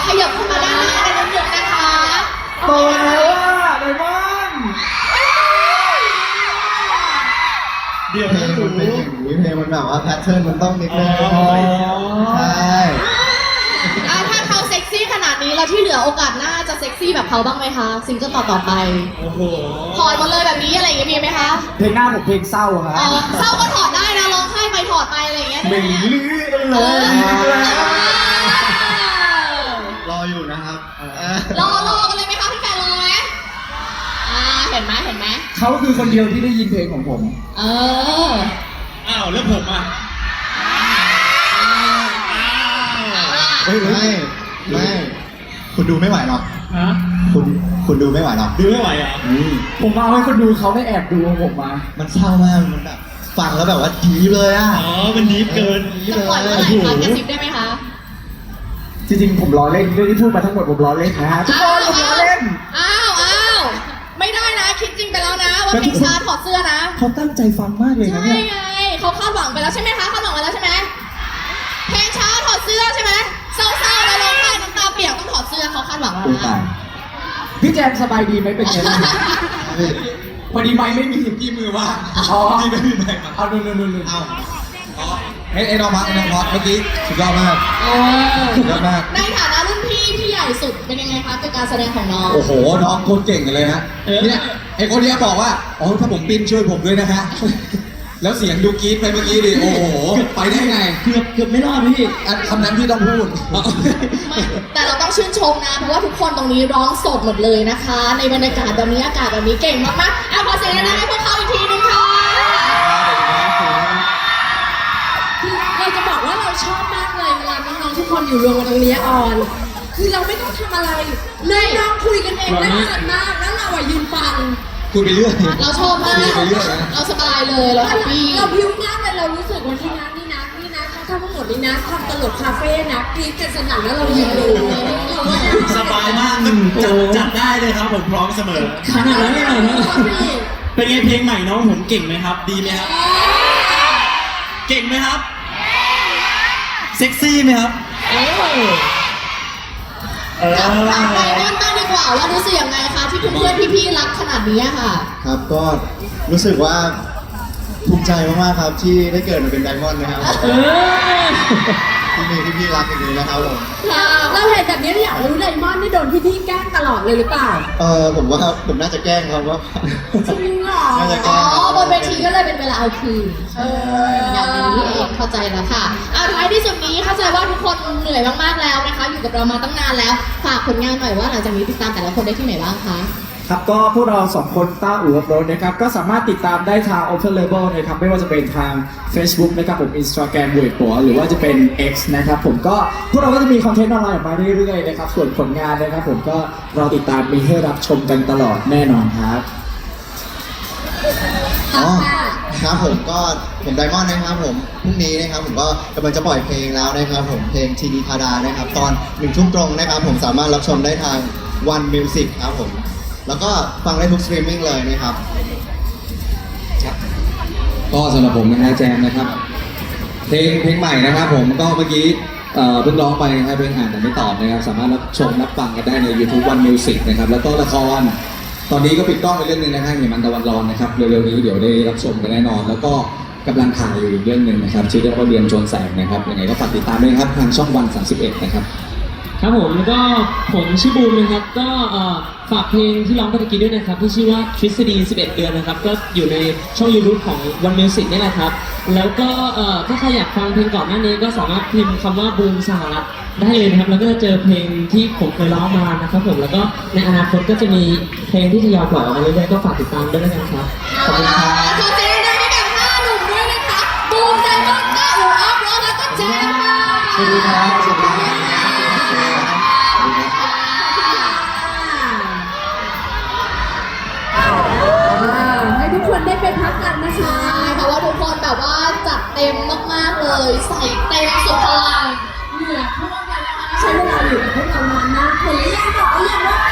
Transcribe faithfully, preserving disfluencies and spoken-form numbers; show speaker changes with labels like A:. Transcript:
A: ขยับเข้ามาด้านหน้ากันนิดนึงนะคะ
B: โตแล้วอ่ะไดมอนด์เดี๋ยว
C: เพลงมันเป็นอย่างนี้เพลงมันแบบว่าแพทเทิร์นมันต้องนิดนึงใช่
A: อ่ะถ้าเขาเซ็กซี่ขนาดนี้แล้วที่เหลือโอกาสหน้าจะเซ็กซี่แบบเขาบ้างไหมคะซิงเกิลต่อต่อๆไป
B: โอ้โห
A: ถอดมาเลยแบบนี้อะไรอย่างเงี้ยมีไหมคะ
B: เพลงหน้าผมเพลงเศร้าครับ
A: อ๋อเศร้าก็ถอดได้นะร้องไห้ไปถอดไปอะไรอย่างเงี้ย
B: ไม่
A: ได้ไหม
B: ลืมเล
A: เออย
C: รออยู่นะครับ
A: รอรอกันเลยไหมคะพี่แฟนรอไหมอ่าเห็นไหมเห็นไหม
B: เขาคือคนเดียวที่ได้ยินเพลงของผม
A: เออ
D: อ้าวแล้วผมอ่ะ
C: เฮ้ยไม่ไม่คุณดูไม่ไหวหรอก
D: ฮะ
C: คุณคุณดูไม่ไหวหรอก
D: ดูไม่ไหวเหรอ่ะ
C: อืม
B: ผมเอาให้คนดูเขาได้แอบดูของผมมา
C: มันเศร้ามากมันแบบฟังแล้วแบบว่าดีเลยอ่ะ
D: อ๋อมันดีฟเกิน
C: ดี
A: จะ
C: เล
A: ปล่อยเมื่อไหร่
C: ย
A: คะกระซิบได้ไหมคะ
B: จริงๆผมล้อเล่นเรื่องที่พูดมาทั้งหมดผมล้อเล่นนะฮะทุกคนผมล้อเล่น
A: อ้าวอ้าวไม่ได้นะคิดจริงไปแล้วนะว่าเพลงช้าถอดเสื้อนะ
B: เขาตั้งใจฟังมากเลยนะ
A: ใช่
B: เนี่ย
A: ไงเขาคาดหวังไปแล้วใช่ไหมคะคาดหวังไปแล้วใช่ไหมเพลงช้าถอดเสื้อใช่ไหมเศร้าๆแล้วร้องไห้น้ำตาเปียกต้องถอดเสื้อเขาคาดหวังแล้ว
B: โอ้
A: นะ
B: ตายพี่แจมสบายดีไหมเป็นไงบ้างพอดีไม้ไม่มีที่มือว่างอ๋อที่ไม่มีไม้เอานู่นนู่นนู่น
C: เอาไอ้ไอ้น้องพักไอ้น้องพักเมื่อกี้สุดยอดมาก
A: เออ
C: สุดยอดมาก
A: ในฐานะรุ่นพี่ที่ใหญ่สุดเป็นยังไงคะกับการแสดงของน้อง
C: โอ้โหน้องโคตรเก่งกันเลยฮะเนี่ยไอ้คนเนี้ยบอกว่าอ๋อถ้าผมปิ้นช่วยผมด้วยนะฮะแล้วเสียงดูกรี๊ดไปเมื่อกี้ดิโอ้โหไปได้ไง
D: เกือบเกือบไม่รอดพี่
C: อันคำนั้นพี่ต้องพูด
A: ไม่แต่เราต้องชื่นชมนะเพราะว่าทุกคนตรงนี้ร้องสดหมดเลยนะคะ ในบรรยากาศแบบนี้อากาศแบบนี้เก่งมากๆเอาขอเสียงดังๆให้พวกเขาอีกทีนึงค่ะ
E: คือเราจะบอกว่าเราชอบมากเลยเวลาน้องๆทุกคนอยู่รวมกันตรงนี้ออน คือเราไม่ต้องทำอะไรเลยน้องคุยกันเองได้สนุกมากแล้วเราอะยืนฟัง
C: คุยไปเรื่อย
A: เราชอบมาก
C: คุยไปเรื่อยนะ
A: เราสบายเลยเราแฮปปี้
E: เราพิ้วมากเลยเรารู้สึกว่าที่นันี่นะนี่นะเขาทำทั้งหมดนี่นะทำตลกคาเฟ่นะกรี๊ดกันสนั่นแล้วเรายืนดูเราว่าน่
D: สบายมากจัดจัดได้เลยครับผมพร้อมเสมอขนาดนั้นเลยเหรอ
E: พี่
D: เป็นไงเพลงใหม่น้องผมเก่งไหมครับ ดีไหมครับ เก่งไหมครับ เซ็กซี่ไหมครับเออเออ
A: ถามถามไดมอนด์บ้างดีกว่าว่ารู้สึกยังไงคะที่เพื่อนๆพี่ๆรักขนาดนี้ค่ะ
C: ครับก็รู้สึกว่าภูมิใจมากๆครับที่ได้เกิดมาเป็นไดมอนด์นะครับ
D: เออ
C: ที่มีพี่ๆรักอย่างนี้นะครับผม
E: เราเห็นแบบนี้เราอยากรู้ไดมอนด์นี่โดนพี่ๆแกล้งตลอดเลยหรือเปล่า
C: เออผมว่าผมน่าจะแกล้งครับว่า
E: จริงเหรอ
C: น่าจะแก
A: อ๋
C: ล้
A: อง บนเวทีก็เลยเป็นเวลาเอาคืน
E: เออ
A: อย่างนี้เองเข้าใจแล้วค่ะเอาท้ายที่สุดนี้เข้าใจว่าทุกคนเหนื่อยมากๆแล้วนะคะ อยู่กับเรามาตั้งนานแล้วฝากผลงานหน่อยว่าหลังจากนี้ติดตามแต่ละคนได้ที่ไหนบ้างคะ
B: ครับก็พวกเราสองคนต้าอู่อัพโหลดนะครับก็สามารถติดตามได้ทาง Open Label นะครับไม่ว่าจะเป็นทาง Facebook นะครับผม Instagram เว็บหัวหรือว่าจะเป็น X นะครับผมก็พวกเราก็จะมีคอนเทนต์ออนไลน์ออกมาเรื่อยๆนะครับส่วนผลงานนะครับผมก็รอติดตามมีให้รับชมกันตลอดแน่นอนครับ
C: อ๋อครับผมก็ผมไดมอนด์นะครับผมพรุ่งนี้นะครับผมก็กำลังจะปล่อยเพลงแล้วนะครับผมเพลงทีนีพาดานะครับตอนหนึ่งทุ่มตรงนะครับผมสามารถรับชมได้ทาง One Music ครับผมแล้วก็ฟังได้ทุกสตรีมมิ่งเลยนะครับ
F: ก็สำหรับผมนะฮะแจมนะครับเพลงเพลงใหม่นะครับผมก็เมื่อกี้เอ่อเพิ่งร้องไปนะครับเพลงอ่านแต่ไม่ตอบนะครับสามารถรับชมรับฟังกันได้ใน YouTube One Music นะครับแล้วก็ละครตอนนี้ก็ปิดกล้องไปเรื่องหนึงนะครับเหมันตะวันร้อนนะครับเร็วๆนี้เดี๋ยวได้รับชมกันแน่นอน แล้วก็กำลังถ่ายอยู่อีกเรื่องหนึ่งนะครับชื่อเรื่องว่าเรียนชนแสงนะครับยังไงก็ฝากติดตามด้วยนะครับทางช่องวันสามสิบเอ็ดนะครับ
G: ครับผมแล้วก็ผมชื่อบูมนะครับก็เอ่อฝากเพลงที่ร้องไปตะกี้ด้วยนะครับที่ชื่อว่าทฤษฎีสิบเอ็ดเดือนนะครับก็อยู่ในช่อง YouTube ของ One Music นี่แหละครับแล้วก็เอ่อถ้าใครอยากฟังเพลงก่อนหน้านี้ก็สามารถพิมพ์คำว่าบูมสหรัฐได้เลยนะครับแล้วก็จะเจอเพลงที่ผมเคยร้องมานะครับผมแล้วก็ในอนาคตก็จะมีเพลงที่ทยอยปล่อยออกมาเรื่อยๆก็ฝากติดตามด้วยนะครับขอบคุณครับ
A: ขอเสียงดังให้กับห้าหนุ่มด้วยนะคะบูมไดมอนด์ต้าอู่อัพโหลดแล้วก็แจมค่ะ
C: สวัสดีครับสวัสดีครับ
E: ให้ทุกคนได้ไปพักกันนะคะ
A: ใช่เพราะว่าทุกคนแบบว่าจัดเต็มมากๆเลย ใส่เต็มสุดพลัง
E: เหนื่อยท่วมกันนะคะใช้เวลาอยู่กับพวกเรานานมากคนแรกบอกว่าอย่างว่า